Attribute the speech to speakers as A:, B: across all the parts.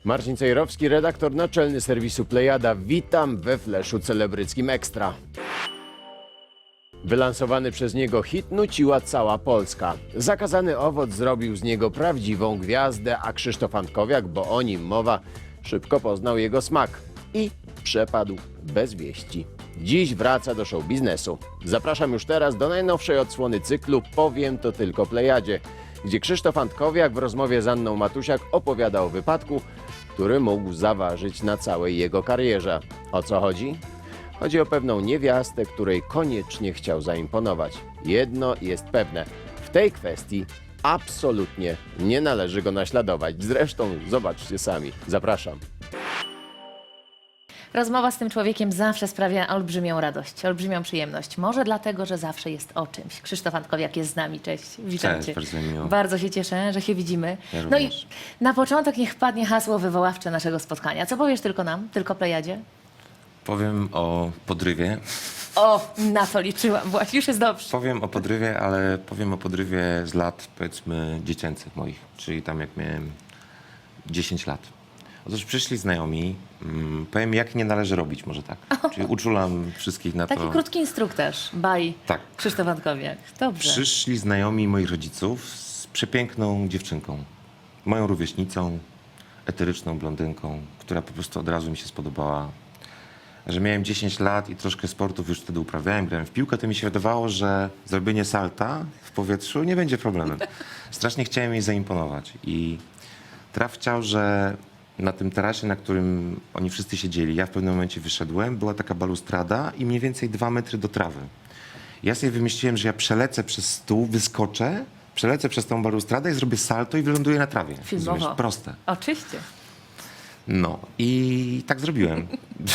A: Marcin Cejrowski, redaktor naczelny serwisu Plejada. Witam we Fleszu Celebryckim Ekstra. Wylansowany przez niego hit nuciła cała Polska. Zakazany owoc zrobił z niego prawdziwą gwiazdę, a Krzysztof Antkowiak, bo o nim mowa, szybko poznał jego smak i przepadł bez wieści. Dziś wraca do show biznesu. Zapraszam już teraz do najnowszej odsłony cyklu Powiem to tylko Plejadzie, gdzie Krzysztof Antkowiak w rozmowie z Anną Matusiak opowiada o wypadku, który mógł zaważyć na całej jego karierze. O co chodzi? Chodzi o pewną niewiastę, której koniecznie chciał zaimponować. Jedno jest pewne, w tej kwestii absolutnie nie należy go naśladować. Zresztą zobaczcie sami. Zapraszam.
B: Rozmowa z tym człowiekiem zawsze sprawia olbrzymią radość, olbrzymią przyjemność. Może dlatego, że zawsze jest o czymś. Krzysztof Antkowiak jest z nami. Cześć, witam
C: Cześć,
B: Cię.
C: bardzo mi miło.
B: Bardzo się cieszę, że się widzimy.
C: Ja
B: No i
C: również.
B: na początek niech padnie hasło wywoławcze naszego spotkania. Co powiesz tylko nam, tylko Plejadzie?
C: Powiem o podrywie.
B: O, na to liczyłam właśnie, już jest dobrze.
C: Powiem o podrywie, ale powiem o podrywie z lat, powiedzmy, dziecięcych moich, czyli tam jak miałem 10 lat. Otóż przyszli znajomi, powiem jak nie należy robić, może tak. Czyli uczulam wszystkich na
B: Taki
C: to.
B: krótki instruktaż, baj
C: Tak.
B: Krzysztof Antkowiak. Dobrze.
C: Przyszli znajomi moich rodziców z przepiękną dziewczynką. Moją rówieśnicą, eteryczną blondynką, która po prostu od razu mi się spodobała. Że miałem 10 lat i troszkę sportów już wtedy uprawiałem, grałem w piłkę, to mi się wydawało, że zrobienie salta w powietrzu nie będzie problemem. Strasznie chciałem jej zaimponować i traf chciał, że na tym tarasie, na którym oni wszyscy siedzieli, ja w pewnym momencie wyszedłem, była taka balustrada i mniej więcej 2 metry do trawy. Ja sobie wymyśliłem, że ja przelecę przez stół, wyskoczę, przelecę przez tą balustradę i zrobię salto i wyląduję na trawie.
B: Filmowo.
C: Rozumiesz? Proste.
B: Oczywiście.
C: No i tak zrobiłem.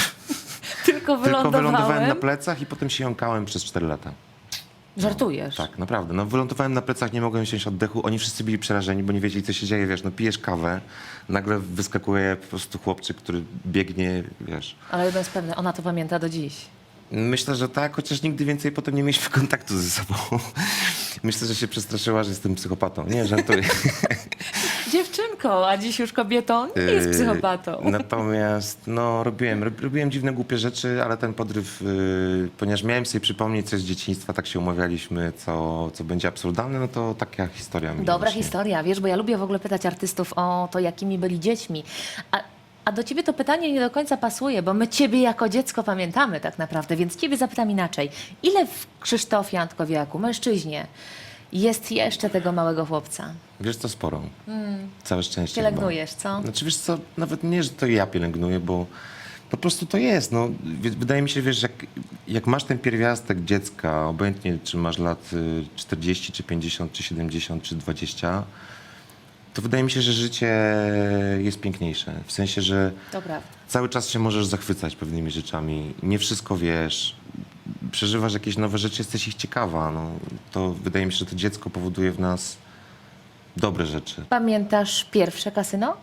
B: Tylko
C: Tylko wylądowałem na
B: wylądowałem.
C: plecach i potem się jąkałem przez 4 lata.
B: Żartujesz.
C: Tak, naprawdę. No, wylądowałem na plecach, nie mogłem wziąć oddechu. Oni wszyscy byli przerażeni, bo nie wiedzieli, co się dzieje. Wiesz, no pijesz kawę, nagle wyskakuje po prostu chłopczyk, który biegnie, wiesz.
B: Ale jedno jest pewne, ona to pamięta do dziś.
C: Myślę, że tak, chociaż nigdy więcej potem nie mieliśmy kontaktu ze sobą. Myślę, że się przestraszyła, że jestem psychopatą. Nie, żartuję.
B: Dziewczynką, a dziś już kobietą nie jest psychopatą.
C: Natomiast no, robiłem dziwne, głupie rzeczy, ale ten podryw, ponieważ miałem sobie przypomnieć coś z dzieciństwa, tak się umawialiśmy, co będzie absurdalne, no to taka historia mi
B: Dobra
C: właśnie.
B: historia, wiesz, bo ja lubię w ogóle pytać artystów o to, jakimi byli dziećmi. A do ciebie to pytanie nie do końca pasuje, bo my ciebie jako dziecko pamiętamy tak naprawdę, więc ciebie zapytam inaczej. Ile w Krzysztofie Antkowiaku, mężczyźnie, jest jeszcze tego małego chłopca?
C: Wiesz co, sporo. Całe szczęście.
B: Pielęgnujesz, co?
C: chyba. Znaczy wiesz co, nawet nie, że to ja pielęgnuję, bo po prostu to jest. No, wydaje mi się, wiesz, jak masz ten pierwiastek dziecka, obojętnie czy masz lat 40, czy 50, czy 70, czy 20, to wydaje mi się, że życie jest piękniejsze. W sensie, że
B: To prawda.
C: cały czas się możesz zachwycać pewnymi rzeczami. Nie wszystko wiesz. Przeżywasz jakieś nowe rzeczy, jesteś ich ciekawa. No, to wydaje mi się, że to dziecko powoduje w nas dobre rzeczy.
B: Pamiętasz pierwsze kasyno?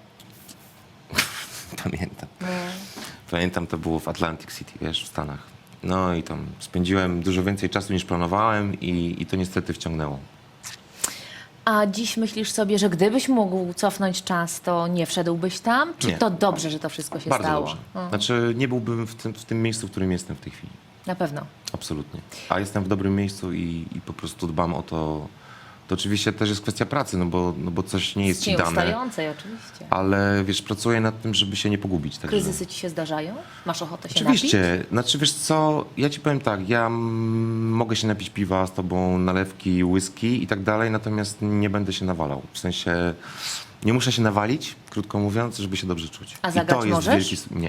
C: Pamiętam. Pamiętam, to było w Atlantic City, wiesz, w Stanach. No i tam spędziłem dużo więcej czasu niż planowałem i to niestety wciągnęło.
B: A dziś myślisz sobie, że gdybyś mógł cofnąć czas, to nie wszedłbyś tam? Czy
C: Nie.
B: to dobrze, że to wszystko się
C: Bardzo
B: stało?
C: dobrze. Znaczy nie byłbym w tym miejscu, w którym jestem w tej chwili.
B: Na pewno.
C: Absolutnie. A jestem w dobrym miejscu i po prostu dbam o to. To oczywiście też jest kwestia pracy, no bo coś nie jest ci dane.
B: Nieustającej oczywiście.
C: Ale wiesz, pracuję nad tym, żeby się nie pogubić. Także.
B: Kryzysy ci się zdarzają? Masz ochotę się
C: Oczywiście. Znaczy wiesz co, ja ci powiem tak, ja mogę się napić piwa z tobą, nalewki, whisky i tak dalej, natomiast nie będę się nawalał. W sensie nie muszę się nawalić, krótko mówiąc, żeby się dobrze czuć.
B: A
C: I
B: zagrać
C: to jest
B: możesz?
C: wielki... Nie.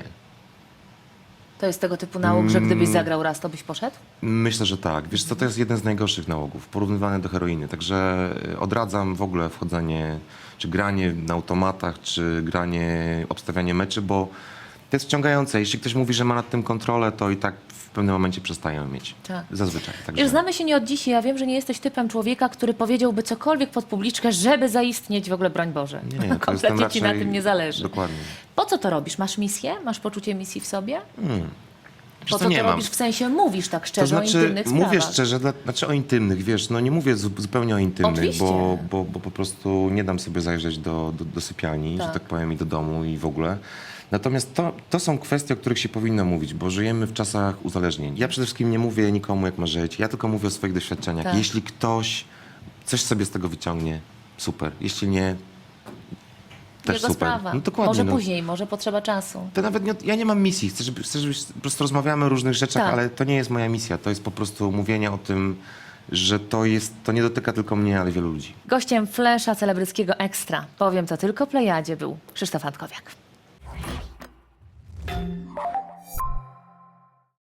B: To jest tego typu nauk, że gdybyś zagrał raz, to byś poszedł?
C: Myślę, że tak. Wiesz co, to jest jeden z najgorszych nałogów, porównywany do heroiny. Także odradzam w ogóle wchodzenie, czy granie na automatach, czy granie, obstawianie meczy, bo to jest wciągające. Jeśli ktoś mówi, że ma nad tym kontrolę, to i tak w pewnym momencie przestają mieć.
B: Tak.
C: Zazwyczaj. Także...
B: Wiesz, znamy się nie od dziś i ja wiem, że nie jesteś typem człowieka, który powiedziałby cokolwiek pod publiczkę, żeby zaistnieć w ogóle, broń Boże.
C: Nie, to jestem
B: Kompletnie ci na
C: raczej-
B: tym nie zależy.
C: Dokładnie.
B: Po co to robisz? Masz misję? Masz poczucie misji w sobie? Po
C: co,
B: co
C: nie
B: to
C: mam.
B: robisz? W sensie mówisz tak
C: To
B: szczerze o
C: znaczy,
B: intymnych sprawach.
C: mówię szczerze, znaczy o intymnych, wiesz, no nie mówię zupełnie o intymnych,
B: Oczywiście.
C: bo po prostu nie dam sobie zajrzeć do sypialni,
B: Tak.
C: że tak powiem, i do domu i w ogóle. Natomiast to są kwestie, o których się powinno mówić, bo żyjemy w czasach uzależnień. Ja przede wszystkim nie mówię nikomu, jak ma żyć, ja tylko mówię o swoich doświadczeniach.
B: Tak.
C: Jeśli ktoś coś sobie z tego wyciągnie, super. Jeśli nie, też
B: Jego
C: super.
B: sprawa.
C: No dokładnie.
B: Może
C: no.
B: później, może potrzeba czasu.
C: To nawet nie, ja nie mam misji. Chcę, żeby po prostu rozmawiamy o różnych rzeczach,
B: Tak.
C: ale to nie jest moja misja. To jest po prostu mówienie o tym, że to nie dotyka tylko mnie, ale wielu ludzi.
B: Gościem Flesza Celebryckiego Ekstra, powiem to tylko Plejadzie, był Krzysztof Antkowiak.